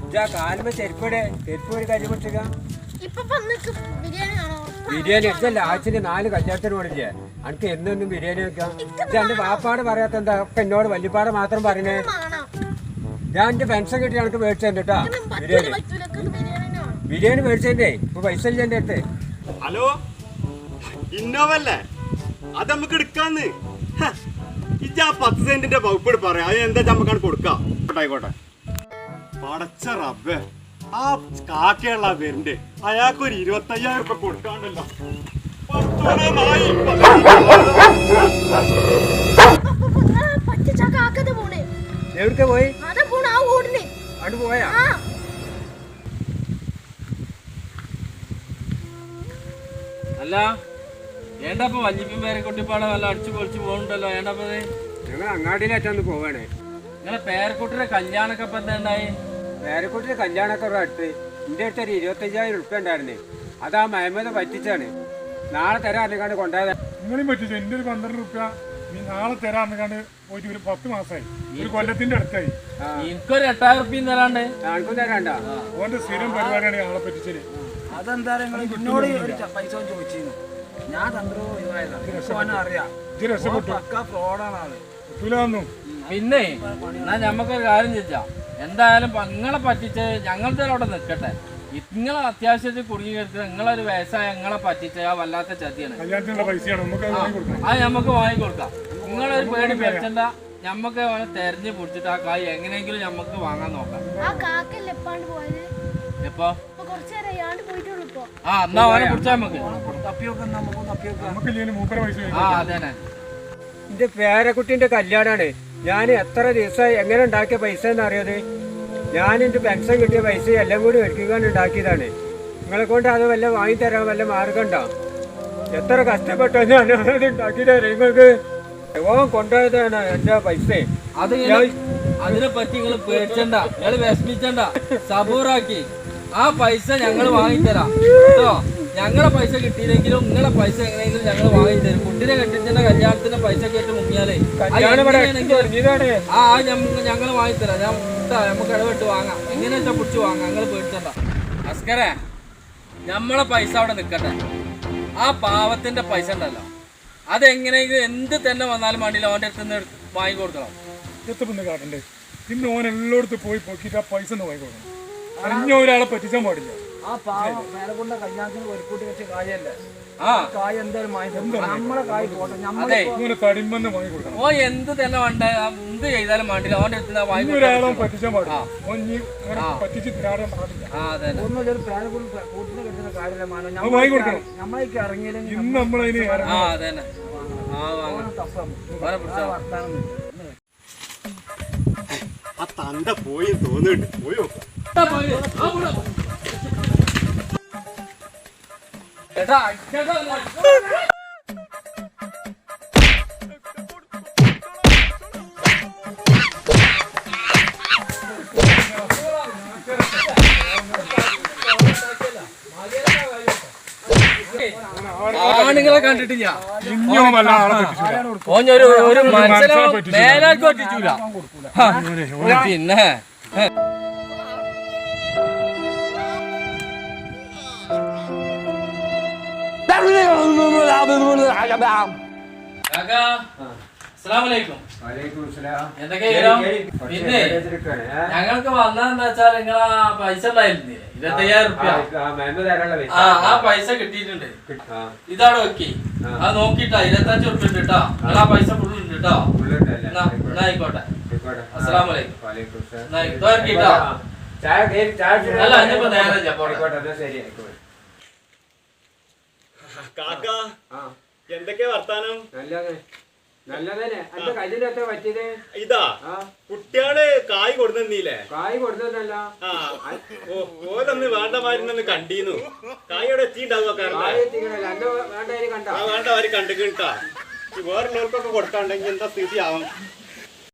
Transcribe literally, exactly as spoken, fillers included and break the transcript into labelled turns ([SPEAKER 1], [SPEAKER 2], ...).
[SPEAKER 1] കാലുമ്പോ ചെരുപ്പടെ ചെരുപ്പ് ഒരു കരി പൊട്ടിക്ക ബിരിയാണി ഇതല്ല ആഴ്ചയിൽ നാല് കല്യാണത്തിന് പോണില്ലേ അനക്ക് എന്നൊന്നും ബിരിയാണി വെക്കാം എന്റെ വാപ്പാട് പറയാത്ത എന്താ ഒക്കെ എന്നോട് വല്യപ്പാട് മാത്രം പറയണേ ഞാൻ എന്റെ പെൻഷൻ കിട്ടി എനിക്ക് മേടിച്ചെന്റെ കേട്ടാ ബിരിയാണി ബിരിയാണി മേടിച്ചെന്റെ ഇപ്പൊ പൈസ ഇല്ല എന്റെ അടുത്ത്.
[SPEAKER 2] ഹലോ ഇന്നോവല്ലേ അത് നമുക്ക് എടുക്കാന്ന് ഇജ്ജ് ആ പത്ത് സെന്റിന്റെ വകുപ്പ് പറയാം അത് എന്താ നമുക്കാണ് കൊടുക്കാം. ആയിക്കോട്ടെ പടച്ച റബ്ബേ ആ കാക്കയുള്ള പേരിന്റെ അയാൾക്കൊരു ഇരുപത്തി അയ്യായിരം രൂപ കൊടുക്കാണ്ടല്ലോ.
[SPEAKER 1] എവിടേക്ക് പോയി അവിടെ പോയാ
[SPEAKER 3] അല്ല ഏണ്ടപ്പോ വല്യപ്പൻ പേരെ കുട്ടിപ്പാടെ വല്ല അടിച്ചു പൊളിച്ചു പോകണ്ടല്ലോ. ഏണ്ടപ്പത്
[SPEAKER 1] ഞങ്ങൾ അങ്ങാടിയിലേറ്റൊന്ന് പോവാണേ.
[SPEAKER 3] നിങ്ങളെ പേരക്കുട്ടിയുടെ കല്യാണൊക്കെ ഇപ്പൊ എന്താ ഉണ്ടായി?
[SPEAKER 1] പേരക്കുട്ടിയുടെ കല്യാണമൊക്കെ ഒരു അടുത്ത് എൻ്റെ അടുത്ത് ഒരു ഇരുപത്തയ്യായിരം ഉറുപ്പ്യ ഉണ്ടായിരുന്നേ. അതാ മഹമ്മദ് പറ്റിച്ചാണ്. നാളെ തരാറിനെക്കാണ്ട് കൊണ്ടുപോയത്.
[SPEAKER 4] നിങ്ങളെയും പറ്റിച്ചു. എൻ്റെ ഒരു പന്ത്രണ്ട് റുപ്യ നീ നാളെ തരാറിനെക്കാണ്ട് പോയിട്ട് ഒരു പത്ത് മാസമായി, ഒരു കൊല്ലത്തിന്റെ അടുത്തായി.
[SPEAKER 3] എനിക്കൊരു എട്ടായിരം റുപ്യ തരാണ്ട്.
[SPEAKER 1] ആൾക്കും തരാണ്ട.
[SPEAKER 4] ഓന്റെ സ്ഥിരം പരിപാടിയാണ് ആളെ പറ്റിച്ചത്.
[SPEAKER 5] അതെന്താ എന്നോട് പൈസ ചോദിച്ചിരുന്നു. ഞാൻ തന്ത്രോ അറിയാം ഫ്രോഡാണ് ആള്.
[SPEAKER 3] പിന്നെ എന്നാ ഞമ്മക്കൊരു കാര്യം ചോദിച്ചാ എന്തായാലും നിങ്ങളെ പറ്റിച്ച് ഞങ്ങളുടെ അവിടെ നിൽക്കട്ടെ. നിങ്ങളെ അത്യാവശ്യത്തിൽ കുടുങ്ങി കിടക്കുക നിങ്ങളൊരു വയസ്സായ നിങ്ങളെ പറ്റിച്ച ആ വല്ലാത്ത ചതിയാണ്. അത് ഞമ്മക്ക് വാങ്ങിക്കൊടുക്കാം. നിങ്ങളൊരു പേടി പേടിച്ചണ്ട. ഞമ്മക്ക് തെരഞ്ഞു പിടിച്ചിട്ട് ആ കായ് എങ്ങനെയെങ്കിലും ഞമ്മക്ക് വാങ്ങാൻ നോക്കാം. എപ്പോ ആ എന്നാ അവനെ പിടിച്ചാ നമുക്ക് ആ അതന്നെ.
[SPEAKER 1] എന്റെ പേരക്കുട്ടിന്റെ കല്യാണാണ്. ഞാൻ എത്ര ദിവസമായി എങ്ങനെ ഉണ്ടാക്കിയ പൈസ എന്നറിയത്? ഞാൻ എൻ്റെ പെൻഷൻ കിട്ടിയ പൈസ എല്ലാം കൂടി ഒരുക്കാൻ ഉണ്ടാക്കിയതാണ്. നിങ്ങളെ കൊണ്ട് അത് വല്ല വാങ്ങിത്തരാൻ വല്ല മാർഗം ഉണ്ടോ? എത്ര കഷ്ടപ്പെട്ടോ ഞാൻ അത് ഉണ്ടാക്കി തരാം നിങ്ങൾക്ക്. ഓൻ കൊണ്ടുപോയതാണ് എന്റെ പൈസ.
[SPEAKER 3] അത് അതിനെ പറ്റി നിങ്ങൾ പേടിച്ചണ്ട, നിങ്ങൾ വിഷമിച്ചണ്ട, സബൂറാക്കി ആ പൈസ ഞങ്ങൾ വാങ്ങിത്തരാം കേട്ടോ. ഞങ്ങളെ പൈസ കിട്ടിയില്ലെങ്കിലും നിങ്ങളെ പൈസ എങ്ങനെയെങ്കിലും ഞങ്ങൾ വാങ്ങിത്തരും. കുട്ടിനെ കെട്ടിച്ചെന്റെ കല്യാണത്തിന്റെ പൈസ കേട്ട് മുങ്ങിയാലേ ആ ഞങ്ങൾ വാങ്ങിത്തരാം. ഞാൻ നമുക്ക് ഇടപെട്ട് വാങ്ങാം. എങ്ങനെയാ വെച്ചാൽ പിടിച്ച് വാങ്ങാം. നിങ്ങൾ പേടിച്ചണ്ട. അസ്കരേ നമ്മളെ പൈസ അവിടെ നിൽക്കട്ടെ. ആ പാവത്തിന്റെ പൈസ ഉണ്ടല്ലോ അതെങ്ങനെയെങ്കിലും എന്ത് തന്നെ വന്നാലും വേണ്ടിയില്ല അവൻ്റെ അടുത്ത് നിന്ന് വാങ്ങിക്കൊടുക്കണം.
[SPEAKER 4] എത്ര കാട്ടണ്ടേ? പിന്നെ ഓൻ എല്ലായിടത്തും പോയി പൊക്കിയിട്ട് ആ പൈസ ഒന്ന് വാങ്ങിക്കൊടുക്കണം. അറിഞ്ഞ ഒരാളെ പറ്റിച്ചാൻ പാടില്ല.
[SPEAKER 5] ആ പാവം മേലക്കൊണ്ട കല്യാണത്തിന് ഒരുക്കൂട്ടി വെച്ച കായല്ലേ ആ കായ എന്തായാലും നമ്മളെ കായ് പോട്ടെ.
[SPEAKER 4] നമ്മളെ തടിമെന്ന് വാങ്ങിക്കൊടുക്കണം.
[SPEAKER 3] ഓ എന്ത് തന്നെ വേണ്ട എന്ത് ചെയ്താലും വേണ്ടില്ല അവൻ്റെ അടുത്ത്
[SPEAKER 4] ഒരാളെ പറ്റിച്ചാൻ പാടില്ല. പറ്റിച്ച് തിരാടാൻ പാടില്ല.
[SPEAKER 5] ഒന്നുമില്ല ഒരു പേരക്കുട്ടി കൂട്ടിനെ കിട്ടുന്ന കാര്യമില്ല.
[SPEAKER 4] വാങ്ങിക്കൊടുക്കണം.
[SPEAKER 5] നമ്മളേക്ക് ഇറങ്ങിയാലും
[SPEAKER 4] ഇന്ന് നമ്മളതിന്
[SPEAKER 3] ആ അതന്നെ
[SPEAKER 2] ആ തന്ത പോയി തോന്നുന്നുണ്ട്. പോയോ
[SPEAKER 3] ആണുങ്ങളെ കണ്ടിട്ടില്ല. ഒരു മനസ്സിനെ മേലാൾക്ക് പറ്റിച്ചൂല. പിന്നെ പിന്നെ ഞങ്ങൾക്ക് വന്നതെന്താ വെച്ചാൽ നിങ്ങളാ പൈസ ഉണ്ടായിരുന്നില്ലേ ഇരുപത്തയ്യായിരം റുപ്യ ആ പൈസ കിട്ടിയിട്ടുണ്ട്. ഇതാണ് ഓക്കെ. അത് നോക്കിട്ടാ ഇരുപത്തഞ്ച് റുപ്യ ഉണ്ട് കേട്ടോ. നിങ്ങൾ ആ പൈസ ഫുൾ ഉണ്ട് കേട്ടോ. എന്നാ ആയിക്കോട്ടെ. അസ്സലാമലൈക്കും. അല്ല ഇനിയിപ്പോ നേരെ
[SPEAKER 2] കാക്ക എന്തൊക്കെയാ വർത്താനം? ഇതാ കുട്ടികള് കായ് കൊടുന്നില്ലേ?
[SPEAKER 1] കായ് കൊടുത്തല്ല
[SPEAKER 2] ഓരോന്ന് വേണ്ടമാരുന്നൊന്ന് കണ്ടീന്നു. കായോടെ എത്തിണ്ടാവുക. വേണ്ടവര് കണ്ടിട്ടാ വേറുള്ളവർക്കൊക്കെ കൊടുക്കാണ്ടെങ്കിൽ എന്താ സ്ഥിതി ആവും?